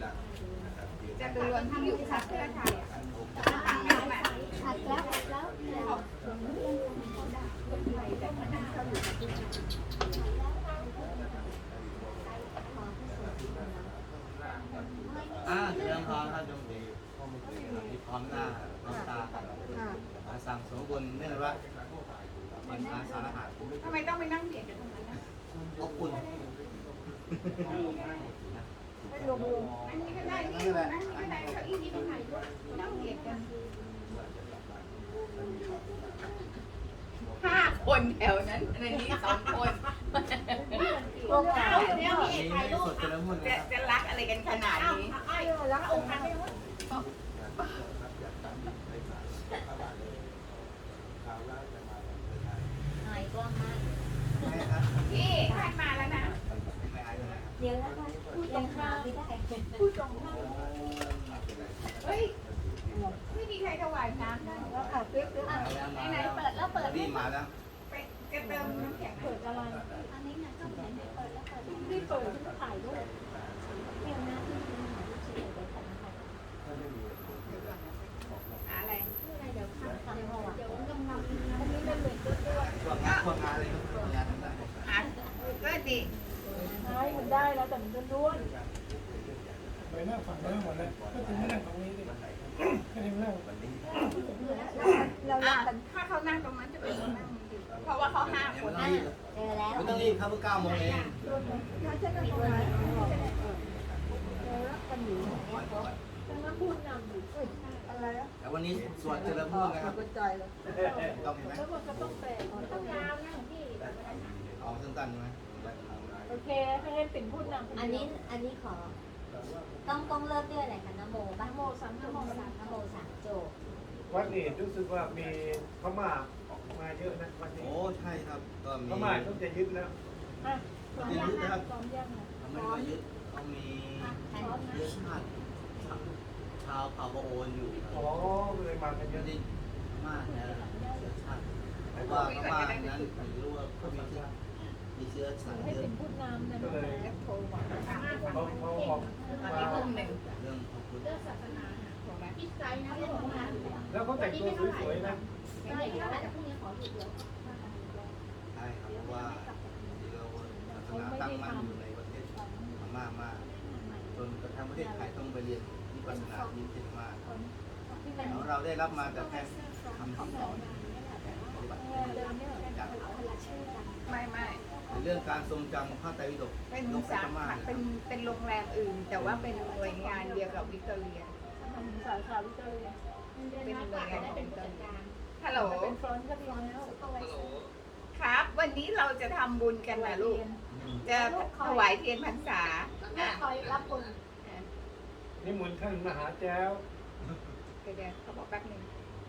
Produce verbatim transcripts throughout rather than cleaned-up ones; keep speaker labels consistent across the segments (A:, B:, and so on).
A: จะเป็นรวนที่อยู่ชัดเพื่อไทยชัดแล้วแล้ว
B: อ่าเรื่องพร้อมท่านยมดีที่พร้อมหน้าพร้อมตากันอาสั่งสมบูรณ์เนื่องว่ามันอาสาอาหาร
A: ทำไมต้องไปนั่งเบียดกันตรงนั้นนะ
B: อบอุ่น
A: อันนี้ก็ได้นี่อันนี้ก็ได้เก้าอี้นี้ตรงไหนนั่งเบียดกันห้าคนแถวนั้นในนี้สองคนโอ้โหเนี่ยพี่ถ่ายรูปจะจะรักอะไรกันขนาดนี้รักองค์พระหายกล้องมากพี่ให้มาแล้วนะเดี๋ยวแล้วก็พูดตรงข้ามไม่ได้พูดตรงข้ามเฮ้ยไม่มีใครถวายน้ำได้แล้วค่ะเปิ๊บเปิ๊บไหนๆเปิดแล้วเปิด
B: นี่มาแล้ว
A: ไปจะเติมน้ำแข็งเปิดอะไรอันนี้นะก็เหมือนเปิดแล้วเปิดไม่เปิดที่ถ่ายรูปเดี๋ยวนะที่มันถ่ายรูปเฉยๆเดี๋ยวถ่ายนะคะอะไรอะไรเดี๋ยวข้ามทำเดี๋ยวงำงำอันนี้มันเหมือนตัวตัว
B: ช่วงงานช่วงงานอะไรก็ช่วงงานทั้งนั้น
A: อ่ะก็ดีใช่มันได้แล้วแต่มันด้วนไปนั่งฝั่งนู้นหมดเลยก็ถึงไม่นั่งตรงนี้ดิก็ถึงนั่งเราถ้าเขานั่งตรงนั้นจะเป็นนั่งเพราะว่าเขาห้าคนนั่งเจอแล้ว
B: ไม่ต้องรีบครับเพิ่งเก้าโมงเอง
A: ถ้าจะนั่งตรงนั้นเจอแล้วกันอยู่จะมาพูดนำอยู่อะไรอ่ะ
B: แต่วันนี้สวดเจริญพุทธนะครับ
A: กระจายเลย
B: ต้องเห็นไหม
A: แล้วมันก็ต้องแปลต้องยาวนะพี่
B: เอาสั้นๆใช่ไหม
A: โอเคให้ให้ปิ่นพูดนำ
C: อันนี้อันนี้ขอต้องต้องเริ่มด้วยอะไรคะนโมบ้าง
A: โมสามโมสาม
C: นโมสามโจบ
D: วัดนี้รู้สึกว่ามีพม่าออกมาเยอะนะวันนี้
B: โอ้ใช่ครับก็มี
D: พม่าต้องจะยึดแล้ว
A: อ่ะซ้อมยังนะซ้อมยังนะ
B: ทำไม่ได้ยึดเขามีเชื้อชาติชาวเผ่าโอนอยู่
D: อ๋อเลยมากันเย
B: ไม่
D: อะ
B: ได้มากนะเชื้อชาติเพราะว่าพม่านั้นผมรู้ว่าเขามีเชื้อมีเชื้อสาย
A: ให้
B: เลือ
A: ปิ่
B: ด
A: นพูดนำนะโทรบอก
D: เขาเขาออก
A: อัน
D: มา
A: นี้กลุ่มหนึ่ง
B: เรื่องของคุณ
A: เรื่องศาสนาถูกไหมพี่ใจนะที่บอกว่า
D: แล้วเขาแต่งตัวสวยๆนะ
A: ใช่แล้วแต่พรุ่งนี้ขอหยุดเดี๋ยว
B: ใช่ครับเพราะว่าที่เราศาสนาตั้งมั่นอยู่ในประเทศพม่ามากจนกระทั่งประเทศไทยต้องไปเรียนวิปัสสนาที่ประเทศพม่าแล้วเราได้รับมาแต่แค่คำที่สอนปฏิบัติจาก
A: ไม่ไม่
B: ในเรื่องการทรงจำพระไตรปิฎก
A: เป็น
B: นก
A: สา
B: พม่า
A: ขาเป็นเป็นโรงแรมอื่น แต่ว่าเป็นหน่วยงานเดียวกับวิกตอเรียสาขาวิกตอเรียเป็นหน่วยงานของวิกตอเรียฮัลโหลเป็นฟรอนต์ก็ดีแล้วครับ วันนี้เราจะทำบุญกันนะลูก จะถวายเทียนพรรษาคอยรับบุญ
D: นี่มนต์ท่านมหาแจ้ว
A: เดี๋ยวเขาบอกแป๊บนึง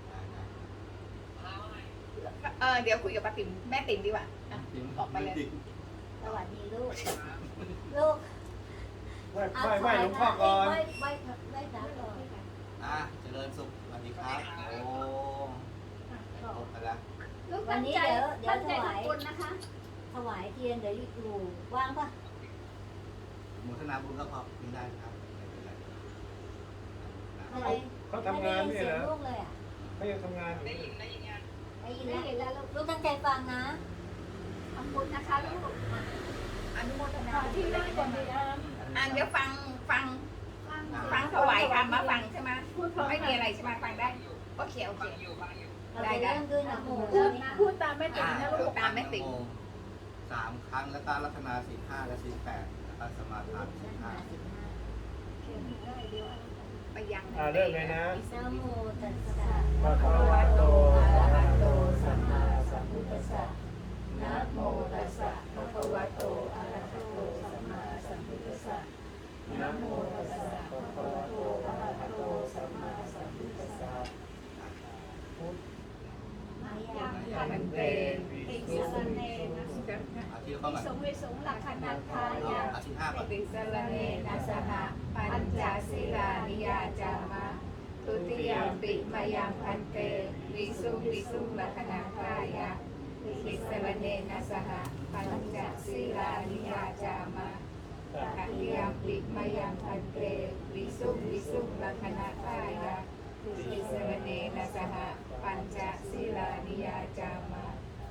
A: เออเดี๋ยวคุยกับป้าติ๋มแม่ติ๋มดีกว่าออกไปเลย
C: สวัสดีลูก ลูก
D: ไหว้ไหว้ไหว้หลวงพ่อก่อน
C: ไหว้ไหว้ไหว้พระก่อน
B: อ่ะเจริญสุขสวัสดีครับโอ้โหไปละ
C: วันนี้เดี๋ยวเดี๋ยวถวายถวายเทียนเดี๋ยวอยู่ว่างปะ
B: โมทนาบุญก็พอมีได้ครับไม่เป็นไร
C: อะไร
D: เขาทำงาน
C: ไม่
D: นี่
C: ได้ยิน
D: เหร
C: เสีย
D: อง
C: ลูกเลยอ่ะ
D: เขายังทำงานอยู่
C: ได้ยินแล้วลูกตั้งใจฟังนะ
A: ขอบคุณนะคะลูกอนุโมทนาที่นั่งก่อนดีนะอ่ะเดี๋ยวฟังฟังฟังถวายคำมาฟังใช่ไหมไม่มีอะไรใช่ไหมฟังได้โอเคโอเค
C: เราจะเริ่มด้วยนะโม
A: พูดตามแม่ติ๋มนะลูกตามแม่ติ๋ม
B: สามครั้งแล้วก็รัตนาสิบห้าและสิบแปดแล้วก็สมาทานสิบห้า
A: ไปยัง
D: อ่าเริ่มเลยนะ
C: นะโมตัสสะ
D: ภะคะวะโต
C: อะระหะโต
D: สั
C: สั
D: ม
C: ม
D: มา
C: มา
D: สั
C: สั
D: ม
C: ม
D: พุ
C: พุ
D: ท
C: ท
D: ธั
C: ธั
D: ส
C: ส
D: สะ
C: สะนะโมตัสสะภะคะวะโตอะระหะโตสัมมาสัมพุทธัสสะนะโมตัสสะภะคะวะโตอะระหะโตสัมมาสัมพุทธัสสะมายัง
A: พันเตติสเนนะ
B: อาทิตย์เข้ามา
A: สงเวสงหลักขณาทายา
B: อาทิตย์ห้าก่อน
A: ติสรเนนะสหปัญจศีลานิยาจามะทุติยมปิมายังพันเตวิสุวิสุลักขณาทายาติสรเนนะสหปัญจศีลานิยาจามะ
D: ต
A: ตติยมปิมายังพันเตวิสุงวิสุงลัคนาทายะติสรเนนะสหปัญจศีลานิยาจามะ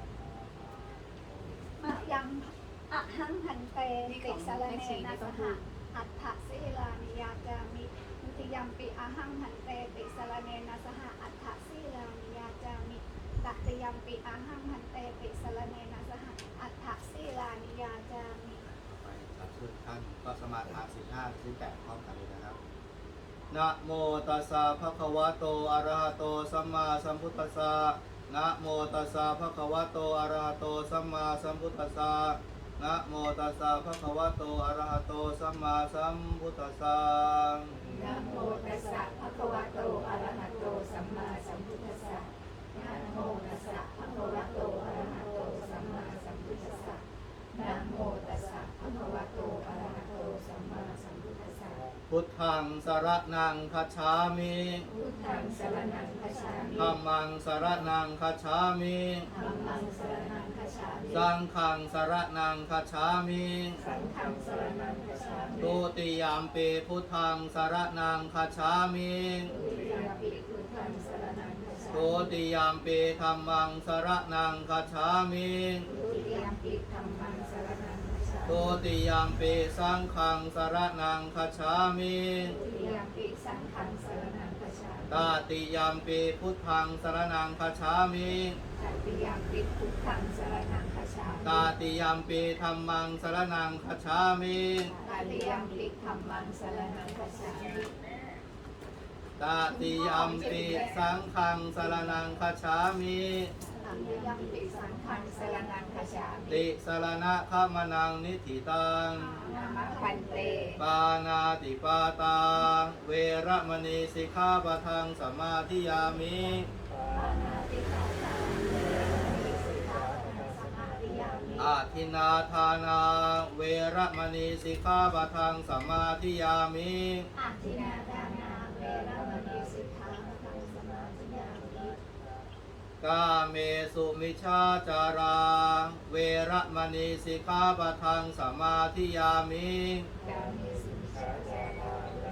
C: มะยังอะหังหันเตติสารเนนะสหอัฏฐศีลานิยาจามิทุติยัมปิอะหังหันเตติสารเนนะสหอัฏฐศีลานิยาจามิตติยัมปิอะหังหันเตติสารเนนะสหอัฏฐศีลานิยาจามิ
B: ไปครับทุกท่านก็สมาทานสิบห้าสิบแปดพร้อมกันเลยนะครับนะโมตัสสะภะคะวะโตอะระหะโตสัมมาสัมพุทธัสสะนะโมตัสสะภะคะวะโตอะระหะโตสัมมาสัมพุทธัสสะนะโมตัสสะภะคะวะโตอะระหะโตสัมมาสัมพุทธัสสะ
A: นะโมตัสสะภะคะวะโตอะระหะโตสัมมาสัมพุทธัสสะนะโมตัสสะภะคะวะโตอะระหะโตสัมมาสัมพุทธัสสะนะโมตัสสะภะคะวะโตอะระหะโตสัมมาสัมพุทธัสสะ
B: พุทธังสรณังคัจฉามิ
A: พุทธังสรณังคัจฉามิ
B: ธัมมังสรณังคัจฉามิ
A: ธัมมังสรณังคัจฉามิ
B: สังฆังสรณังคัจฉามิ
A: สังฆังสรณังคัจฉามิ
B: ตุติยามปีพุทธังสรณังคัจฉามิ
A: ทุติยมปิพุทธังสรณังคัจฉา
B: ตุ
A: มิ
B: ติยามปีธัมมังสรณังคัจฉามิ
A: ทุติยมปิธัมมังสรณังคัจฉามิ
B: ตุติยามปีสังฆังสรณังคัจฉามิ
A: ทุติยมปิสังฆังสรณังคัจฉามิ
B: ตาติยามปีพุทธังสรณังคัจฉามิ
A: ตติยมปิพุทธังสรณังคัจฉามิ
B: ตาติยามปีธัมมังสรณังคัจฉามิ
A: ตติยมปิธัมมังสรณังคัจฉามิ
B: ตาติยามปีสังฆังสรณังคัจฉามิ
A: ตติยมปิสังฆังสรณังคัจฉามิ
B: ติสรณะขามนังนิธิตัง
A: นามะพันเต
B: ปานาติปาตา เวระมณีสิกขาปะทังสมาธิยามิ
C: ปานาติปาตาเวรมณีสิกขาปะทังสมาธิยามิ
B: อาทินนาทานา เวระมณีสิกขาปะทังสมาธิยามิ
C: อาทินาดานาเวรมณีสิกขาปะทังสมาธิยามิ
B: กาเมสุมิชาจารา เวระมณีสิกขาปะทังสมาธิยามิ
A: กามิสุมิชาจารา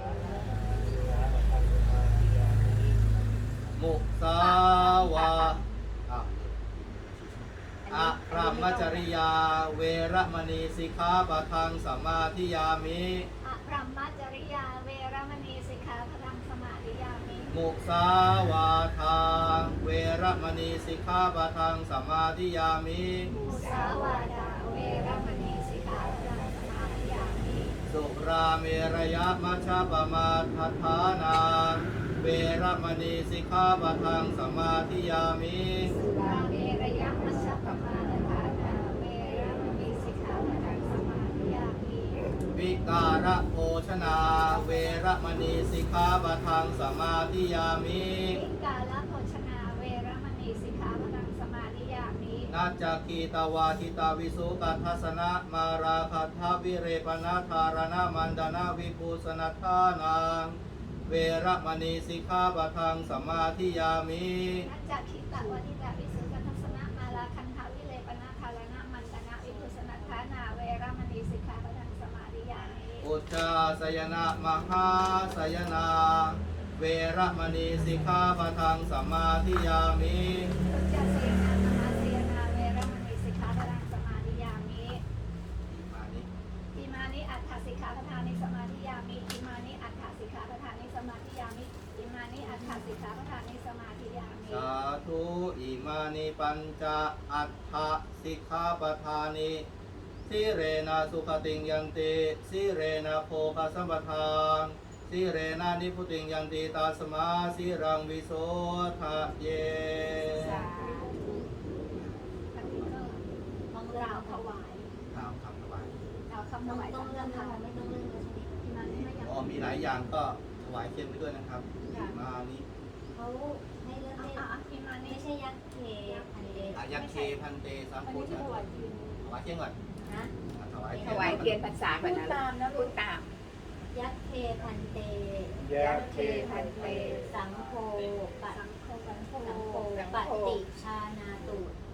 B: มุสาวาอ่ะอะพรหมจริยา เวระมณีสิกขาปะทังสมาธิยามิ
C: อะพรหมจริยาเวรมณีสิกขาปะทังสมาธิยามิ
B: มุสาวาทา เวระมณีสิกขาปะทังสมาธิยามิ
C: มุสาวาดาเวรมณีสิกขาปะทังสมาธิยามิ
B: สุราเมรยมัชฌปมาทัฏฐานา เวระมณีสิกขาปะทังสมาธิยามิ
C: สุราเมรยมัชฌปมาทฐานาเวรมณีสิกขาปะทังสมาธิยามิ
B: วิการะโภชนา เวระมณีสิกขาปะทังสมาธิยามิ
C: วิกาลโภชนาเวรมณีสิกขาปะทังสมาธิยามิ
B: นาจาคีตาวาทิตาวิสุกัททัสนะมาราคัตถาวิเรปนาธารณมันดนาวิภูสนัทธานัง เวระมณีสิกขาปะทังสมาธิยามิ
C: นัจจคิตะวทิตาวิสุทธทัสสนะมาลาคันทาวิเลปนาคารณะมันตนะวิภุสนัทธานาเวรมณีสิกขาปะทังสมาธิยามิ
B: อุจจาสยนะมหาสยนา เวระมณีสิกขาปะทังสมาธิยามิ
C: อุจจาเสนามหาเสนาเวรมณีสิกขาปะทังสมาธิยามิ
B: มานิ
C: อิมานิอัฏฐสิกขาปะทานิสมาธิยามิอิมานิอัฏฐสิกขาปะทานิสมาธิยามิอิมานิอัฏฐสิกขาปะทานิสมาธิยามิ
B: สาธุอิมานิปัญจอัฏฐสิกขาปทานิสิเรนะสุขติงยันติสิเรนะโภคสัมปทานสิเรนะนิพุติงยันติตาสมาสิรังวิโสทะเย
C: สาธุอันนี้ก็มองเราถวาย
B: ถามคำถวาย
C: เราคำถวายต้องเรื่องทำไม่ต้องเรื่องเลยอิมานิไม่ยัง
B: อ๋อมีหลายอย่างก็ถวายเทียนไปด้วยนะครับอิมานิ
E: เขาให้เลือก
C: อ่ะ
E: ให้
C: อ่ะอิมานิ
E: ไม่ใช่ยักษ์เคพันเดช
B: อายักเคพันเตสัม
A: อัน
B: พุ
A: นี้
B: ทธ
A: ถวายยืน
B: ถวายเทียนก่อน
E: นะ
B: อ่ะถวาย
A: ถวายเทียนพรรษาก่อนนะพูดตาม
E: ยักษ์เคพันเต
D: ยะเค
A: พันเต
E: สังโฆปั
C: สังโฆสังโฆ
E: สังโฆปฏิชานาตุ
A: ป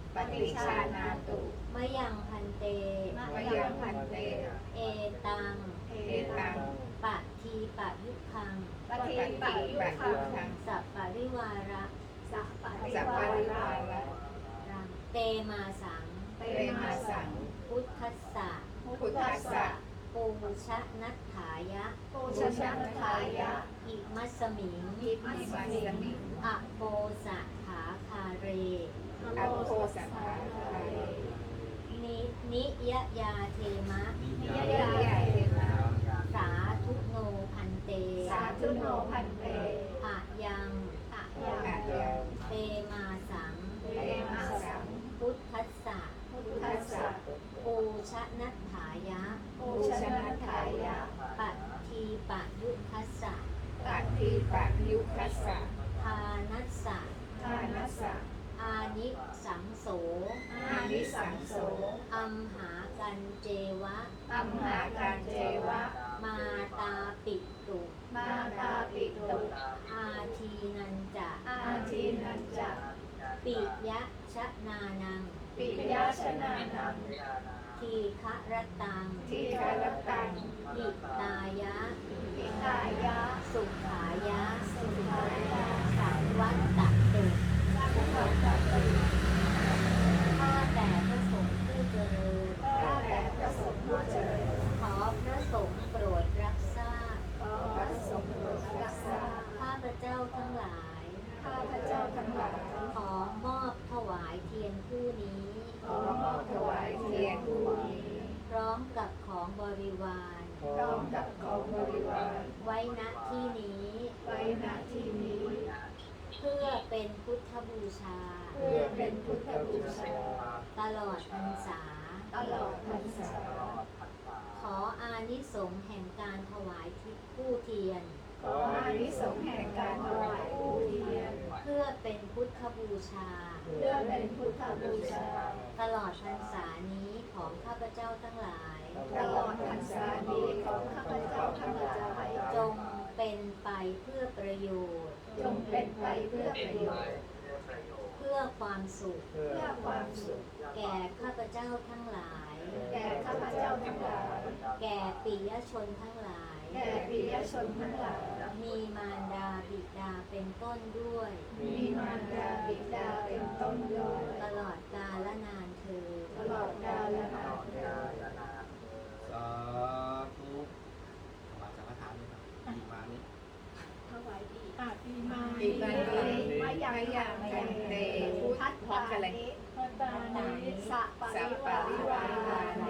A: ปฏิชานาตุ
E: มะยังพันเต
A: มะยังพันเต
E: เอตัง
A: เอตัง
E: ปะทีปะยุคัง
C: ปฏิปะยุคัง
E: สัปปะริวาระ
C: สัพปะริ
A: สัพ
C: วา
A: พะริวา
C: ระ
A: ระ
E: เตมาสัง
C: เต
A: เตมาสัง
E: พุทธัสสะ
A: พุทธัสสะ
E: ปูชะนัตถายะ
C: โกชนะทายะ
E: อิมัสสมิง
C: อิมั
A: อิ
C: ส
A: มัส
C: มิ
A: ส
C: ง
A: มิง
E: อะโปสะขาคาเร
A: อัปโพสัทธาคาเร
E: นินิยยาเทมะ
B: นิ
A: นิ
B: ยาย
A: ยาเทมะ
E: สาธุโนพันเต
C: สาธุโนพันเต
E: อะยัง
C: อะ
A: อา
C: ยัง
A: ยัง
E: เตมาสัง
C: เตมาสัง
E: พุทธัสสะ
C: พุทธัสสะ
E: ปูชะนัตถายะ
C: โกชนะทายะ
E: ปะทีปะยุคัสสะ
A: ปัตติปะยุคัสสะ
E: ทานัสสะ
C: ทานัสสะ
E: อานิสังโส
C: อานิสังโส
E: อัมหากันเจวะ
C: อัมหาการเจวะ
E: มาตาปิตุ
C: มาตาปิตุ
E: อาทีนันจะ
C: อาทีนันจะ
E: ปิยะชะนานัง
C: ปิยาชนะนัง
E: ทีฆะรตัง
C: ทีฆรตัง
E: อิตายะ
C: อิตายะ
E: สุขายะ
C: สุขายะ
E: สังวัตตตุ
C: สัพพะตะตุ
E: ข้าแต่พระสงฆ์ผู้เจริญ
C: ข้าแต่พระสงฆ์ผู้เจริญ
E: ขอพระสงฆ์โปรดรับทราบ
C: ขอพระสงฆ์โปรดรักษา
E: ข้าพระเจ้าทั้งหลาย
C: ข้าพระเจ้าทั้งหลาย
E: ขอมอบถวายเทียนคู่นี้
C: ขอมอบถวายเทียนคู่นี้
E: พร้อมกับของบริวาร
C: พร้อมกับของบริวาร
E: ไว้ณที่นี้
C: ไว้ณที่นี้
E: เพื่อเป็นพุทธบูชา
C: เพื่อเป็นพุทธบูชา
E: ตลอดพรรษา
C: ตลอดพรรษา
E: ขออานิสงส์แห่งการถวายทิพผู้เทียน
C: ขออานิสงส์แห่งการถวายผู้เทียน
E: เพื่อเป็นพุทธบูชา
C: เพื่อเป็นพุทธบูชา
E: ตลอดพรรษานี้ของข้าพเจ้าทั้งหลาย
C: ตลอดพรรษานี้ของข้าพเจ้าทั้งหลาย
E: จงเป็นไปเพื่อประโยชน์
C: จงเป็นไปเพื่อประโยชน์
E: เพื่อความสุข
D: เพื่อ
C: เพื่อความสุข
E: แก่ข้าพเจ้าทั้งหลาย
C: แก่ข้าพเจ้าทั้งหลาย
E: แก่ปิยชนทั้งหลาย
C: แก่ปิยชนทั้งหลาย
E: มีมารดาบิดาเป็นต้นด้วย
C: มีมารดาบิดาเป็นต้นด้วย
E: ตลอดกาลนานเธอญ
C: ตลอดกาลนานเทอญ
B: สาธุถวายสังฆทานด้วยครับดีมานี้
C: ถวายดี
F: อาตีมา
A: ปีมานี
C: มายัง
A: มายัง
C: มา
A: ยั
C: ยัง
A: งเต
C: พุทธัส
A: พร้อมกันเลย
C: นิ
F: พัตตานิ
C: สัปปะริวารานิ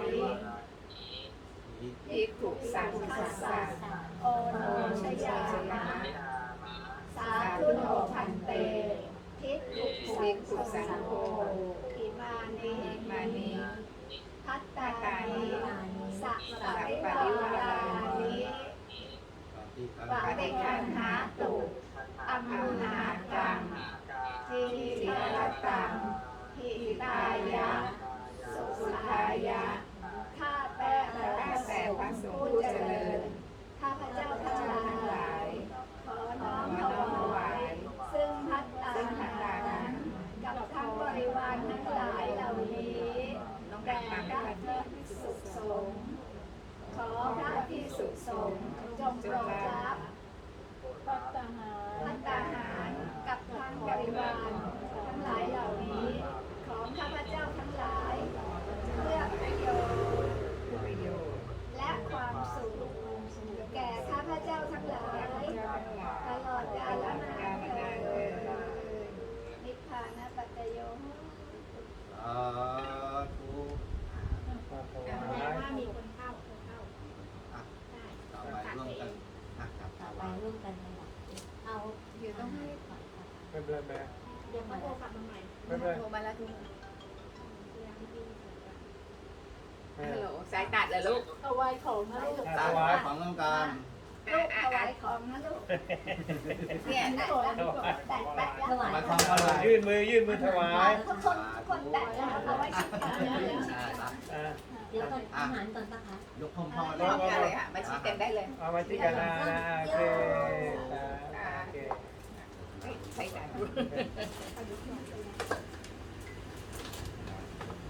A: ภิกขุสังฆัสสะ
C: โอโนชยามะสาธุโนพันเต ทิฏฐุสังโฆอิมานิ
A: มานี
C: พัตตานิสัพปะริวารานิ
B: ป
C: ปฏิคันหาตุอัมหากังทีฆรตังหิตายะ สุขายะ ข้าแต่พ
A: ข้า
C: ระส
A: แต่
C: ง
A: พระ
C: ฆ์
A: สงฆ์
C: ผู้
A: ผู้
C: เจ
A: เจ
C: ริ
A: ริ
C: ญ
A: ญ
C: ข้าพเจ้าทั้งห
A: ทั้งห
C: ลา
A: ลาย ย
C: ขอน้อมถวาย ซึ่งพัตตาหารกับทั้งบริวารทั้งหลายเหล่านี้แด่พระภิกษุสงฆ์ขอพระภิกษุสงฆ์จงโปรดรับ
F: พัตตาหา
C: พัตตาหารกับทั้งบริวารทั้งหลายเหล่านี้ ของข้าพเจ้าทั้งหลาย เพื่อประโยชน์
A: ประโยชน์
C: และความสุขแก่ข้าพเจ้าทั้งหลาย ตลอดกาลนานเทอญนิพพานปัจจโย
B: สาธุ
D: มาถว
F: แสด
D: าง ย
F: ว่ามีคนเข้าคนเข้า
B: อ่ะต่อไปร่วมกันอ่ะครับ
E: ต่อไปร่วมกันเลยเอา
A: เดี๋ยวต้องให้
E: ก่อนค่ะ
D: ไม่เป็นไรแม่
E: เดี๋ยว
F: มา
E: มา
F: โทรกลับมาใหม่
D: ไม่เป็นไร
A: โทรมาแล้วทุก
D: แม่
A: ฮัลโหลสายตัดเหรอลูก
F: เอาไว้ของนะลูก
B: ถวายของต้องการ
C: ลูกถวายของนะลูก
A: เนี่ย
C: แตะแล้วแตะแตะแล้ว
E: ถวาย
B: มาทำอะไร
D: ยื่นมือยื่นมือถวาย
C: ทุกคนทุกคนแตะแล้วเอาไว้ชิดกันนะ
B: ใช่ครับ
D: อ่ะ
E: เดี๋ยวก่อนอาหารก่อนปะคะ
B: ยกห้องพ่อ
A: พร้อมกันเลยค่ะมาชี้กันได้เลย
D: เอามาที่กันนะโอเคอ่ะโอเค
A: เฮ้ยใส่ตัด
D: อ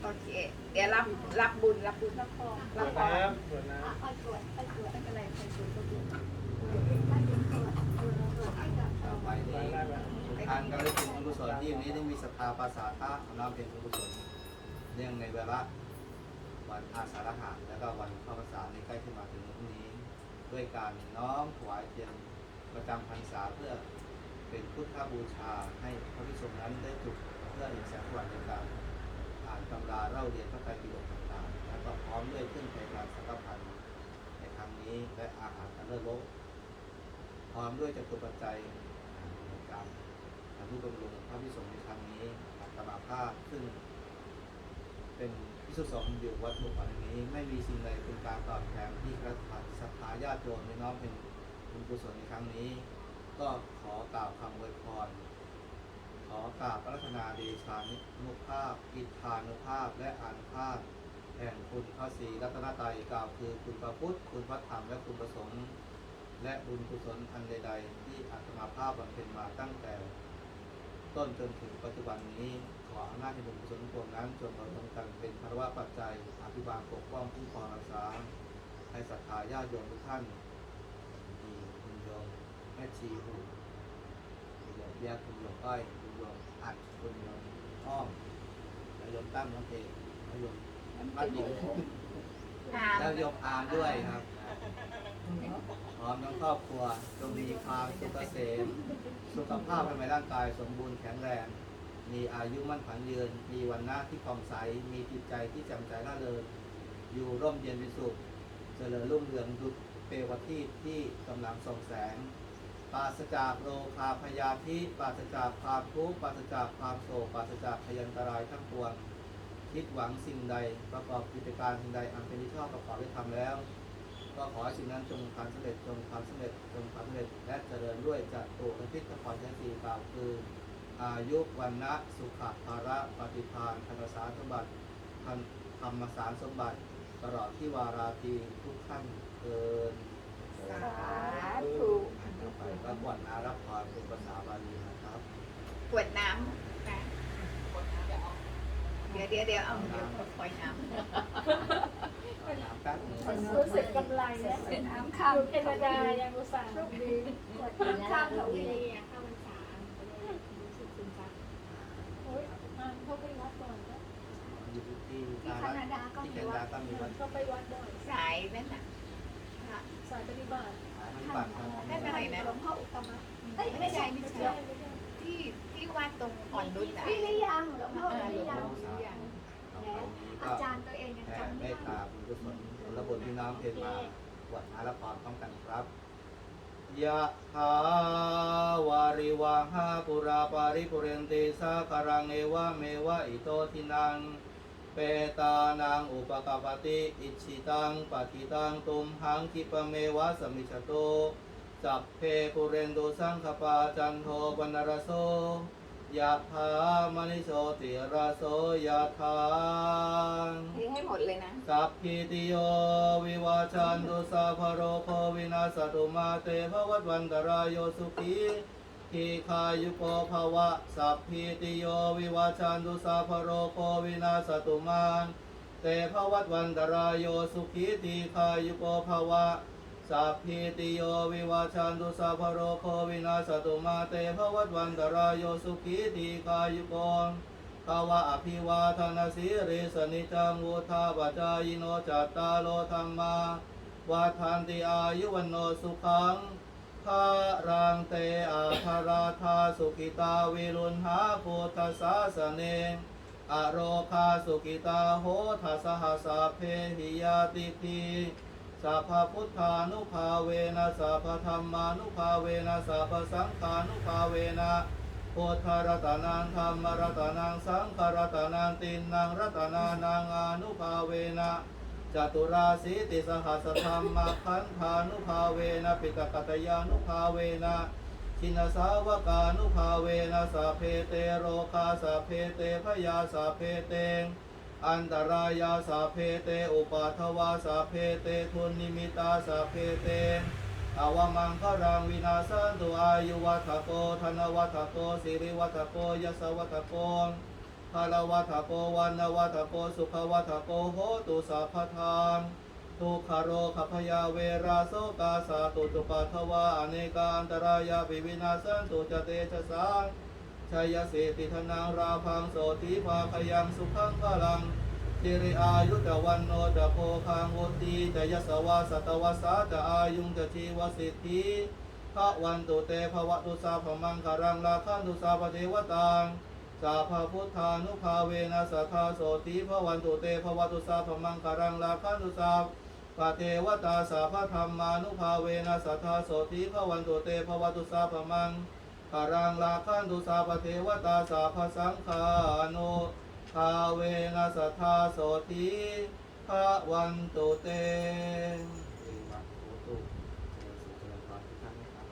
A: โอเค เดี๋ยวรับรับบุญรับบุญรับพร
D: ส
A: รับ
D: วน
A: พร
D: น้ำสวนน้
C: อ่ะเอาตรวจเอาตรวจ
A: ไม่เป็นไรใครสูงก็บุญ
C: ถ้าถึงตรวจตรวจตรวจให้กับ
B: ต่อไป
D: ำ
B: นี้
D: ไปได้แบบ
B: ทุกท่านก็ได้เป็นกุศลที่วันนี้ได้มีศรัทธาภาษาท่าของเราเป็นกุศลเนื่องในเวลาวันอาสาฬหะและก็วันเข้าพรรษาในใกล้ที่มาถึงวันนี้ ด้วยการน้อมถวายเทียนประจำพรรษาเพื่อเป็นพุทธบูชาให้พระภิกษุนั้นได้จุดเพื่อเห็นแสงสว่างในการอ่านตำราเล่าเรียนพระไตรปิฎกต่างๆแล้วก็พร้อมด้วยเครื่องไทยการสังฆพันธ์ในครั้งนี้และอาหารอันเลิศโลกพร้อมด้วยจตุปัจจัยในการทำผู้บำรุงพระภิกษุในครั้งนี้อัตมาภาพซึ่งเป็นพิสุทธิ์สองอยู่วัดบุกอันนี้ไม่มีสิ่งใดเป็นการตอบแทนที่พระศรัทธาญาติโยมในน้อมเป็นบุญกุศลในครั้งนี้ ก็ขอกล่าวคำอวยพรขอกราบพระรัตนาเดชานุภาพอิทธานุภาพและอานุภาพแห่งคุณพระศรีรัตนตรัยกล่าวคือคุณพระพุทธคุณพระธรรมและคุณพระสงฆ์และบุญกุศลอันใดๆที่อาตมาภาพบำเพ็ญมาตั้งแต่ต้นจนถึงปัจจุบันนี้ขออำนาจในบุญกุศลพวงนั้นจงมาลงกันเป็นภาวะปัจจัยอภิบาลปกป้องคุ้มครองรักษาให้ศรัทธาญาติโยมทุกท่านมีคุณโยมแม่ชีหูคุณโยมแยกคุณโยมอ้อยคุณโยมอัดคุณโยมอ้อมแล้วโยมตั้มน้องเอกแล้วโยมมัดหญิง
A: อ่า
B: แล้วโยมอาร์มด้วยครับพร้อมทั้งครอบครัวจงมีความสุขเกษมสุขภาพภายในร่างกายสมบูรณ์แข็งแรง มีอายุมั่นขวัญยืน มีวันหน้าที่ผ่องใส มีจิตใจที่แจ่มใสร่าเริงอยู่ร่มเย็นเป็นสุขเจริญรุ่งเรืองดุจเปลวทีปที่กำลังส่องแสง ปราศจากโรคาพยาธิปราศจากความทุกข์ปราศจากความโศกปราศจากพยันตรายทั้งปวงคิดหวังสิ่งใดประกอบกิจการสิ่งใดอันเป็นที่ชอบประกอบได้ทำแล้ว ก็ขอให้สิ่งนั้นจงความสำเร็จจงความสำเร็จจงความสำเร็จและเจริญด้วยจัตุรพิทขอใช้สีกล่าวคือ อายุวันนะสุขภาระปฏิภาณธรรมสารสมบัติธรรมสารสมบัติตลอดที่วาราตีทุกท่านเกิน
A: สาธุ
B: ต่อไปก็บวชนารับพรเป็นภาษาบาลีนะครับ
A: กวดน้ำนะเดี๋ยวเดี๋ยวเดี๋ยวเอาเดี๋ยวคอยน้ำ
B: น้ำแป๊บนึง
F: รู้สึกกำไรนะ
C: น้ำ
F: อ
C: ข้าม
F: ยู่แคนาดายังอุตส่าห์ดี
C: น้ำข้ามเขาอีก
F: โอ้ยอ่านเข้าไปวัดบ่อยนะ
B: อยู่ที่
C: ที่
B: ที่
C: แคนาดาก็
B: ที่
C: มี
B: แคนา
C: วั
B: ดา
C: ด
B: ก็มีวัด
F: เข้าไปวัดบ่อย
A: สายนั่นน่ะ
F: สายปฏิบัติ
B: ขายมันปัดครับ
A: ไม่เป็นไรนะ
C: หลวงพ่ออุตตมะเอ้ยไม่ใช่ไม่
F: ไม่
C: ใช่
F: ใช่ไม่ใช่
A: ที่ที่วัดตรงอ่อนนุชอ่ะ
C: วิริยังหลวงพ่อวิริยัง
B: ต่อไปนี้
C: อา
B: ก็
C: จารย์ตัวเองยัง
B: แผ่
C: จำ
B: เม
C: ไม่
B: ต
C: ได้
B: ตาบุญกุศลผลบุญที่น้ำเพนมาบวชนารับพรพร้อมกันครับยะถาวาริวหาปุราปาริปุเรนติสาคารังเอวะเมวะอิโตทินังเปตานังอุปกปปติอิชิตังปฏิตังตุมหังคิปะเมวะสมิจฉโตจัพเพปุเรนโดสังคปาจันโทปนรโสยะถามณิโชติระโสยะถา
A: นี่ให้หมดเลยนะ
B: สัพพิติโยวิวาชันตุสัพพโรโควินาศตุมาเตภวัตวันตรายโยสุขีทีคายุโกภวะสัพพิติโยวิวาชันตุสัพพโรโควินาศตุมาเตภวัตวันตรายโยสุขีทีคายุโกภวะสัพพิติโยวิวาชันตุสัพพโรโควินาศตุมาเตภวัตวันตรายโยสุขีทีคายุโกภวะอภิวาทนาสีริสนิจังวุธาปจายโนจัตตาโลธรรมาวัฏันติอายุวันโนสุขังภารังเตอาภาราธาสุขิตาวิรุณหาพุทธสาสเนอโรคาสุขิตาโหทัสหสาเพหิยาติพีสัพพพุทธานุภาเวนะสัพพธรรมานุภาเวนะสัพพสังฆานุภาเวนะพุทธรัตนังธรรมรัตนังสังฆรัตนังตินนังรัตนานังอานุภาเวนะจตุราสีติสหัสธรรมขันธานุภาเวนะปิตกัตยานุภาเวนะชินสาวกานุภาเวนะสัพเพเตโรคาสัพเพเตพยาสัพเพเตอันตรายาสัพเพเตอุปาทวาสัพเพเตทุนนิมิตาสัพเพเตอวมังครังวินาสันตุอายุวัฏโกธนวัฏโกสิริวัฏโกยสวัฏโกภาลวัฏโปวันนวัฏโปสุขวัฏโปโหตุสัพพทางทุกขโรคพยาเวราโสกาสาตุตุปัทวาอเนกาอันตรายาปิวินาสันตุจเตชะสังชัยเสติธนังราพังโสติภาคยังสุขังพลังจิริอายุจวันโนจะโพคังวุติจะยสวาสตวสาจะอายุงจะชีวสิทธิภะวันตุเตภวตุสาพมังคารังลาคันตุสาพเทวตังสาภพุทธานุภาเวนะสัทธาโสติภวันตุเตภวตุสาพมังคารังลาคันตุสาปะเทวตาสาพธรรมานุภาเวนะสัทธาโสติภวันตุเตภวตุสาพมังคารังลาคันตุสาปะเทวตาสาพสังฆานุภาเวนะสัทธาโสติภวันตุเตเอวะโหตุเจริญสุขเจริญพรทุกท่านนะครับ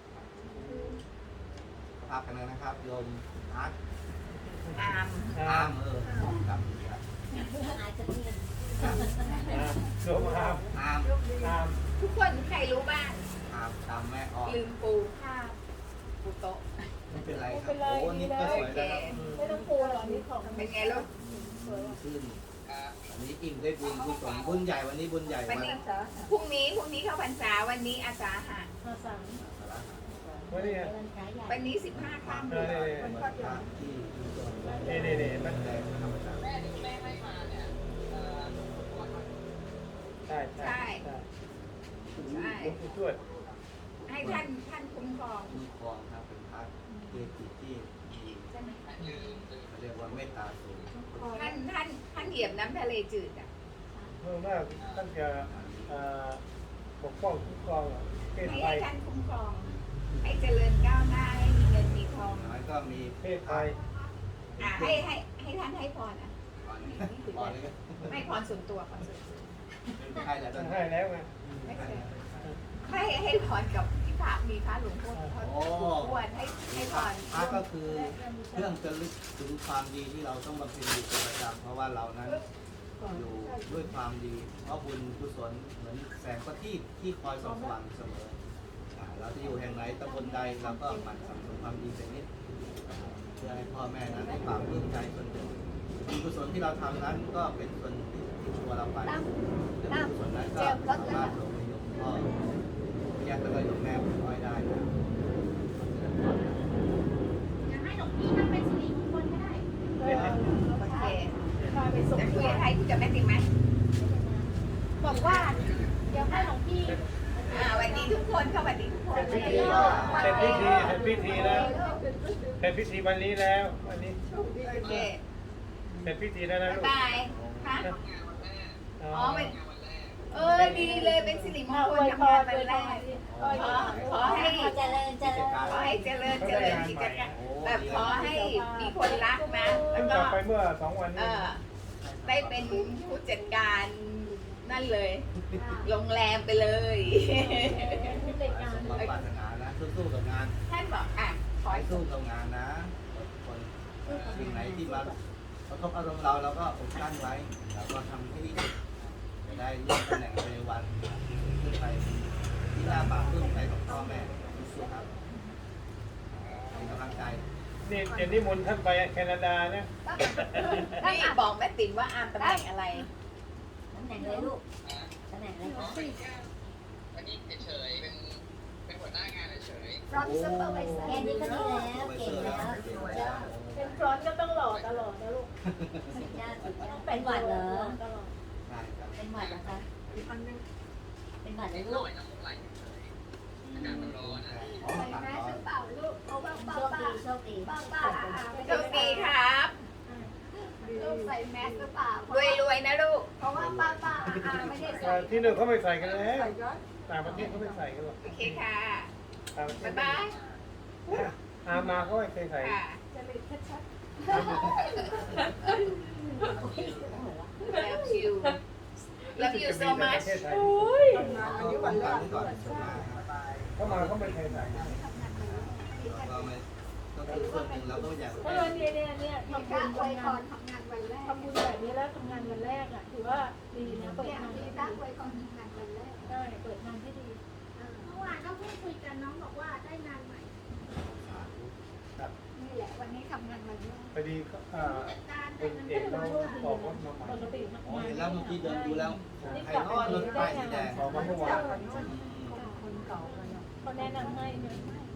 B: ภาพกันเลยนะครับโยมอาร์ต
A: อาม
B: อามเออครับ
E: อาจจะเรียน
D: อ่าโยมอาม
B: อาม
D: อาม
A: ทุกคนใครรู้บ้าง
B: อามตามแม่ออก
A: ลืมปูผ้าปูโต๊ะ
B: ไม่เป็นไรครับโอ้นี่ก็สวยแล้วครับ
F: ไม่ต้องกลัวหรอกนี่ของ
A: เป็นไงลูก
B: ขึ้นอันนี้อิ่มด้วยบุญกุศลบุญใหญ่วันนี้บุญใหญ่
A: วั
B: วัน น
A: นี้พรุ่งนี้พรุ่งนี้เข้าพรรษาวันนี้อาสาหะ
F: มาสั่ง
D: วันนี้
E: เดินขายใหญ่
A: วันนี้สิบห้าค่ำ
D: เออ
B: วันพระที่ที่
D: นี่นี่นี่มัน
B: แรงธรรมชาติ
D: ใช่ใช่ใช่
A: ใช่
D: หลวงปู่ทวด
A: ให้ท่านท่านคุ้มครอง
B: คุ้มครองครับเป็นพระเกจิที่มี
A: ใช่ไหม
B: เขาเรียกว่าเมตตาสูง
A: ท่านท่านท่านเหยียบน้ำทะเลจืดอ่ะ
D: เมื่อมากท่านจะเอ่อปกป้องคุ้มครองเพศ
A: ให้
D: ภั
A: ให้
D: ย
A: ท่านคุ้มครอง ให้เจริญก้าวหน้าให้มีเงินมีทอง
B: แล้วก็มี
D: เพศภัย
A: อ่าให้ให้ให้ท่านให้พรอ่ะ
B: ตอนนี้ตอนนี้ก็
A: ไม่พรส่วนตัวพรส่วนตัว
B: ไม่ใช่แล้วตอนนี้
D: ให้แล้วไง
A: ไม่เคยให้ให้พรกับที่พระมีพระหลวงพ่อพ่อหลวงปู่ทวดให้ให้พร
B: พระก็คือเครื่องจะลึกถึงความดีที่เราต้องบำเพ็ญอยู่เป็นประจำเพราะว่าเรานั้นอยู่ด้วยความดี เพราะบุญกุศลเหมือนแสงประทีปที่คอยส่องสว่างเสมออ่าเราจะอยู่แห่งไหนตำบลใดเราก็หมั่นสั่งสมความดีเป็นนิดเพื่อให้พ่อแม่นั้นได้ความปลื้มใจส่วนหนึ่งบุญกุศลที่เราทำนั้นก็เป็นส่วนที่ติดตัวเราไป
C: ตั้ม
B: บุญกุศลนั้นก็สามารถลงไปยกพ่อแยกแล้วก็ยกแม่ผมน้อยได้นะ
F: อยากให้หลวงพี่นั่งเป็นสิริมงคลก็ได้
A: โอเค
F: พาไปส่ง
A: จะคุยกับใครคุยกับแม่ติ๋มไหม
F: บอกว่าเดี๋ยวให้หลวงพี่
A: อ่าวันนี้ทุกคนเข้าวันนี้ทุกคน
D: เสร็จพิธีเสร็จพิธีเสร็จพิธีแล้วเสร็จพิธีวันนี้แล้ววันนี้
A: โอเค
D: เสร็จพิธีแล้วนะ
A: บ๊าย
D: ลูก
A: บายฮะ
D: อ๋
A: อ๋
D: อ
A: อเป็นเออดีเลยเป็นสิริมงคลทำงานวันแรกขอขอให้
E: เจริญเจริญ
A: ขอให้เจริญเจริญกิจการแบบขอให้มีคนรักนะ
D: เพิ่
A: แล้ว
D: งก
A: ก็
D: ลับไปเมื่อสองวัน
A: เอ
D: นี้
A: อได้เป็นผู้จัดการนั่นเลย โรงแรมไปเลย
F: เด็กงาน
B: สมความปรารถนานะสู้ๆกับงาน
A: ท่านบอกอ่ะข
B: ข
A: อ
B: อ
A: ให้
B: ให้สู้กับงานนะอดทนสิ่งไหนที่มากระทบอารมณ์เราเราก็อดกลั้นไว้เราก็ทำให้ดีที่สุดจะได้เลื่อนตำแหน่งไปในวันขึ้นไปที่หน้าปากขึ้นใจของพ่อแม่สู้ๆครับเป็นกำลังใจ
D: นี่เดี๋ยวนี้มนต์ท่านไปแคนาดานะ
A: นี่บอกแม่ติ๋มว่าอามตำแหน่งอะไร
E: ตำแหน่งอะไรลูกตำแหน่งอะไรคะ
G: วันนี้เฉยๆเป็นเป็นหัวหน้างานเฉย
C: ฟรอนต์ซูเปอร์ไวเซอ
E: แค่
C: ร์
E: นี้ก็ดีแล้วเก่งแล้วสุดยอด
F: เป็นฟรอนต์ก็ต้องหล่อตลอดนะลูก
E: สุดยอดสุดยอ
F: ต้อ
E: ด
F: ง
E: เป็นหวัดเหรอ
F: ตลอด
B: ใช่ครับ
E: เป็นหวัดเหรอคะเป็นหวัด
G: ๆ
E: เหร
G: นิ
E: อ
G: ดห
E: ลู
G: น่
E: ก
G: อยน้ำมูกไหลเฉยๆอากาศมันร้อนนะ
B: อ๋อ
C: ใส่
B: ตัด
C: แม
B: ต่
C: ส
B: อ
C: หรือเปล่าลูกเพราะว่าป้า
E: โชค
C: ป้า
E: ดีโชคดี
C: ป้าป้าอ่าไม่
A: โช
C: ได้
A: คดีครับ
C: ลูกใส่แมสหรือเปล่าร
A: วยรวยๆนะลูก
C: เพราะว่าป้าป้าอ่าไม่ได้
D: เอ่
C: ใส่
D: อที่นู่นเขาไม่ใส่กันแล้วต่างประเทศเขาไม่ใส่กันหรอก
A: โอเคค่ะ
D: ต่างประเทศ
A: บ๊ายบาย
D: อามาเขาไม่เคยใส่
A: ค่ะ
F: จะเลยชัด
A: love you love you so
D: จะมีแต่ป
A: much
D: ระเทศไทย
B: ก็ป้องกันไว้ก่อนส่วนมากครับ
D: เขามาเขาไม่เคยใส่
B: เราไม่ก็คือส่วนหนึ่งเราก็ไม่อยาก
F: ๆเออเนี่ยเนี่ยเนี่ย
C: มี
F: ทำ
C: พ
F: บุ
C: ระ
F: ญ
C: อวยพ
F: ทำงาร น
C: ทำงานวันแรก
F: ทำบุญแบบนี้แล้วทำงานวันแรกอ่ะถือว่าดีนะเปิด
C: เนี่ย
F: งาน
C: มีพระอวยพรทำงานวันแรก
F: ได้เปิดงานที่ดี
C: เมื่อวานก็พูดคุยกันน้องบอกว่าได้งานใหม่
B: สาธุ
C: นี่แหละวันนี้ทำงาน
D: พอดีก็อ่าคุณเอกเราออกรถมาใหม่
F: ปกติ
B: อ๋อเห็นแล้วเมื่อกี้เดินดูแล้วใครนอรถไฟสีแดง
D: ออกมาเมื่อวาน
F: คนเก่าเขาแนะนำให้นะ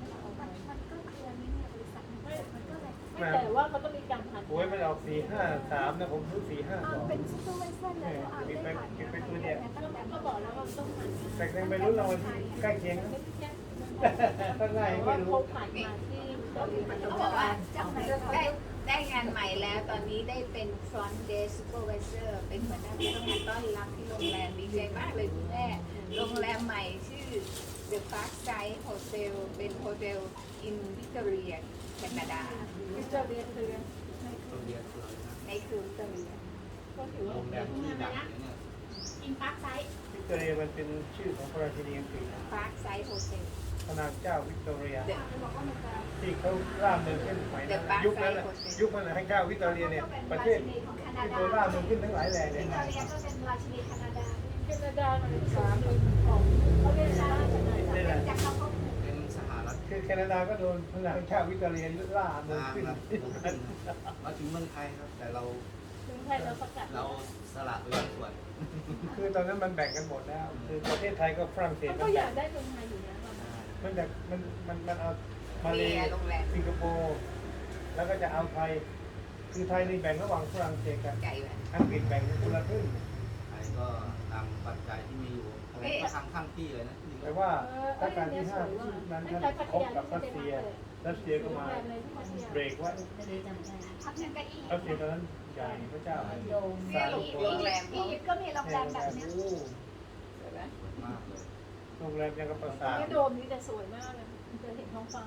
F: ไม่แต่ว่าเขาต้องมีการผ่าน
D: โอ้ยมันออกสี่ห้าสามนะผมซื้อสี่ห้าสอง
C: เป็นซูเปอร์ไวเซอร์แล้วอ่านได้ผ่าน
F: ก็บอกแล้วว่าต้องผ่าน
D: แต่ยังไม่รู้เราใกล้เคียงนะข้างใน
F: แต่
D: ไม่
F: ว่า
D: รู้
F: เขาผ่านมาที่เกาหลี
A: เขาบอกว่าได้ได้งานใหม่แล้วตอนนี้ได้เป็น front desk supervisor เป็นหัวหน้าพนักงานต้อนรับที่โรงแรมดีใจมากเลยคุณแม่โรงแรมใหม่ชื่อ The Parkside Hotel เป็นโฮเทล in Victoria แคนาดา
F: วิจารณ์เรียนเรียน
B: ต้องเรียนเลยนะ
A: ในคือวิกตอเรีย
F: ก็ถือว่า
B: โรงแรมที่ดังเนี่ย
E: อินพักไซต์
D: วิกตอเรียมันเป็นชื่อของพระราชินีอังกฤษ
A: Parkside Hotel
D: พระนางเจ้าวิกตอเรีย
A: The
D: ที่เขาล่าเมืองขึ้นสมัยนั้นยุคนั้นน่ะยุคนั้นน่ะให้เจ้าวิกตอเรียเนี่ยประเทศเป็นตัวล่าเมืองขึ้นทั้งหลายแหล่เลย
C: วิกตอเรียก็เป็นราชินีแคนาดา
F: แคนาดามันสามเป็นของเขาเรียกชาติแคนาดา
D: นี่แหละ
C: จากเขาก็
B: เป็นสหรัฐ
D: คือแคนาดาก็โดนพระนางเจ้าวิกตอเรียล่าเมือง
B: นาง
D: ขึ้น
B: ครับขึ้นมาถึงเมืองไทยครับ แต่เรา
F: ถึงไทยเราประกาศ
B: เราสละไปบางส่วน
D: คือตอนนั้นมันแบ่งกันหมดแล้ว คือประเทศไทยก็ฝรั่งเศส
F: เขา
D: มั
F: ก็
D: น
F: อ
D: แบ่
F: ยาง กได้เมืองไทยอยู่นะ
D: มันแบบมันมันมันเอามา
A: เมี
D: เลย
A: โรงแรม
D: สิงคโปร์แล้วก็จะเอาไทย คือไทยนี่แบ่งระหว่างฝรั่งเศสกับ
A: ไก่แบบ
D: อังกฤษแบ่งคนละครึ่ง
B: ไทยก็นำปัจจัยที่มีอยู่อะไรก็ทำข้างที่เลยนะ
D: แต่ว่ารัชกาลที่ห้านั้นท่านคบกับรัสเซียรัสเซียก็มาเบรกไว้
E: ไม่ได้จำได้
C: พักนึงก็อีก
D: รัสเซียตอนนั้นใหญ่พระเจ้า
E: โดม
D: สร้าง
A: โรงแรม
C: อียิปต์ก็มีโรงแรมแบบนี้
D: โอ้
A: ใช่ไหม
B: มากเลย
D: โรงแรมยังกับปราสาท
F: ไม่โดมนี่แต่สวยมากเลยจะเห็นท้องฟ้า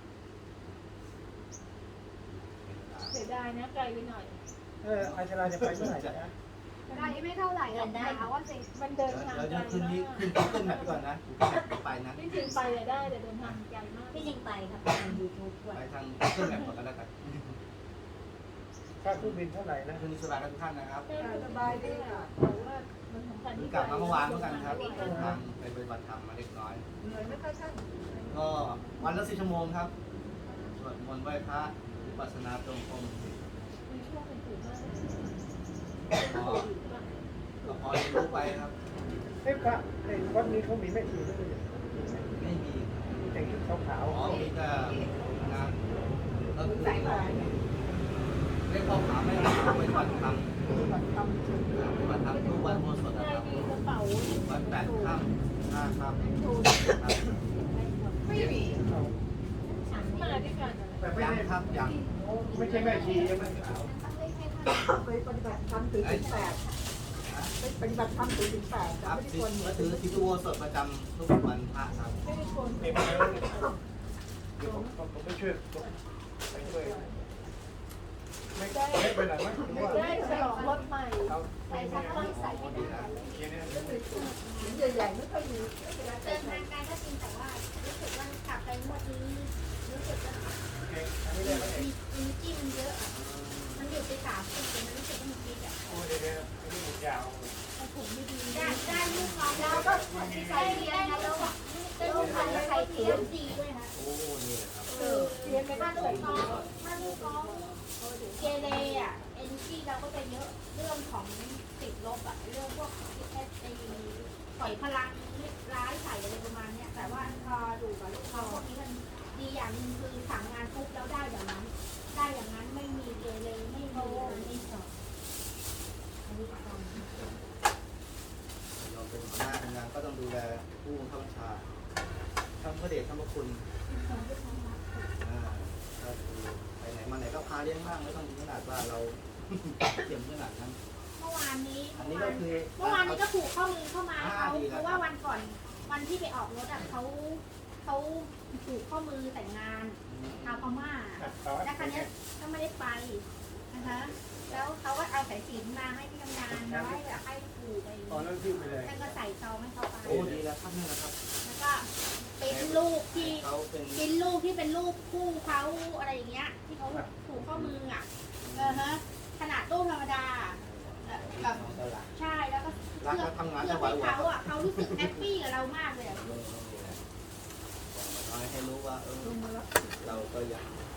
F: เสียดายนะไกลไปหน่อย
D: เอออาชราจะไปเมื่อไหร่จ๊ะ
C: ได้ไม่เท่าไหร่หรอกหาว่าสิ
F: มันเดินทาง
B: เดี๋ยว
F: ไกล
B: เดี๋ยวคืนนี้
F: มาก
B: ขึ้นขึ้นแบบก่อนนะไปนะ
F: ที่จริงไปอะได้แต่เดินทางไกลมาก
E: ที่จริงไปครับทางยูทูบด้วย
B: ไปทางขึ้นแบบก่อนก็แล้วกัน
D: ค่าเครื่องบินเท่าไหร่นะ
B: คืนสบายกันทุกท่านนะครับ
F: สบายดีค่ะแต่ว่ามันสำคัญ
B: เพิ่ง
F: ที่
B: กลับมาเมื่อวานเหมือนกันครับเดินทางไปปฏิบัติธรรมมาเล็กน้อย
A: เหนื่อยไหมคะท่าน
B: ก็วันละสี่ชั่วโมงครับสวดมนต์ไหว้พระวิปัสสนาตรงกรม
F: มีช่วงเป็นตื่นมาก
B: ก็ก็พอเรียนรู้ไปครับ
D: เอ้พระไอ้วัดนี้เขามีแม่ชีด้วยเนี่ย
B: ไม่มี
D: มีแต่งชุดขาว
B: อ๋อมีแต่งานก็คือ
A: สายหวาน
B: เรียกพ่อขาไม่ได้ไปปฏิบัติธรรมปฏิบัติธรรมทุกวันโมสดนะ
F: ได้
B: ครับ
F: มีกระเป๋า
B: วันแปดค่ำห้าค่ำครับ
A: ไม่มี
D: ๆเอา
F: มาด้วยกัน
D: แต่ไม่
B: ยัง
D: ได้
B: ครับยัง
D: ไม่ใช่แม่ชีใช่ไหม
H: ไปปฏิบัติธรรมถือศีลแปดไปปฏิบัติธรรมถือศีลแปด
B: ค
H: แต่
B: รับ
H: ไม่ได้
B: ที่
H: ควร
B: ก็ถือทิฏฐิโวสดประจำทุกวันพระครับ
F: ไม่ได้คน
D: เดี๋ยวมาเดี๋ยวผมผมไปช่วยไปช่วยไม่ไม่ไปไหนไหมหรือว่า
F: ได้ฉลองรถใหม่
D: เอา
C: ใส่ชักต้องใส่ไม่ได้
D: ทีนี้
H: ศีลใหญ่ๆไม่ค่อยมี
C: เดินทางไกลก็จริงแต่ว่ารู้สึกว่ากลับไปงวดนี้รู้สึกว่า
D: เก่งอันนี้ได้ไหม
C: มีมีจิ้มเยอะอะมันหยุดไปสามปีแต่มันรู้สึกว่ามันกินอ่ะ
D: โอ้เดี๋ยวเดี๋ยวอันนี้หมุนยาว
F: ผมไม่ดี
C: ได้ได้ลูกน้องแล้วก็ใส่เทียนนะแล้วอ่ะได้ลูกน้องใส่เทียนดีด้วยนะ
B: โอ้นี่แหละครับ
F: เออเรียนไป
C: ถ้า
F: ได้
C: ลู
F: เลย
C: กน้องถ้าลูกน้องเกเรอ่ะเอ็นจีเราก็จะเยอะเรื่องของติดลบอ่ะเรื่องพวกแอสไอปล่อยพลังร้ายใส่อะไรประมาณเนี้ยแต่ว่าพอดูกับลูกน้องพวกนี้มันดีอย่างหนึงคือสั่งงานปุ๊บแล้วได้อย่างนั้น ได้อย่างนั้นไม่มีเกเรไม่มี
E: อันนี้สองอันนี้สอง
B: เราเป็นหัวหน้าทำงานก็ต้องดูแลผู้บังคับบัญชาทำพระเดชทำพระคุณอ่าก็คือไปไหนมาไหนก็พาเลี้ยงบ้างไม่ต้องถึงขนาดว่าเรา เตรียมขนาดนั้น
C: เมื่อวานนี้
B: อัน
C: เมื่
B: นี้
C: อวา
B: ก็
C: น
B: คือ
C: เมื่อวานนี้ก็ผูกข้อมือเข้ามา
B: อ่า
C: เขา
B: ดีแล้ว
C: เพราะว่าวันก่อนวันที่ไปออกรถอ่ะเขาเขาผูกข้อมือแต่งงานชาวพม่า
D: ต่อ
C: แล้วครั้งนี้ยก็ไม่ได้ไปนะคะแล้วเขาก็เอาสายสิญจนมาให้ที่ทำงานมาให้แบบให้ผูกไป
D: ตอนนั้นทิ้งไปเลย
C: ท่านก็ใส่ซองให้เขาไป
B: โอ้ดีแล้วครับนี่นะครับ
C: แล้วก็เป็นลูกที่
B: เขาเป็น
C: เป็นลูกที่เป็นลูกคู่เขาอะไรอย่างเงี้ย ที่เขาผูกข้อมืออ่ะเออฮะขนาดรูปธรรมดาเอ่อแบบ
B: น้องตลาด
C: ใช่แล้วก็
B: รัก
C: เพื่อ
B: และทำงาน
C: เพื่
B: ถ
C: อ
B: วาย
C: ให้
B: หัว
C: เขาอ่ะเขารู้สึกแฮปปี้กับเรามากเลยอะ
B: น้อยให้รู้ว่าเออเราก็ยัง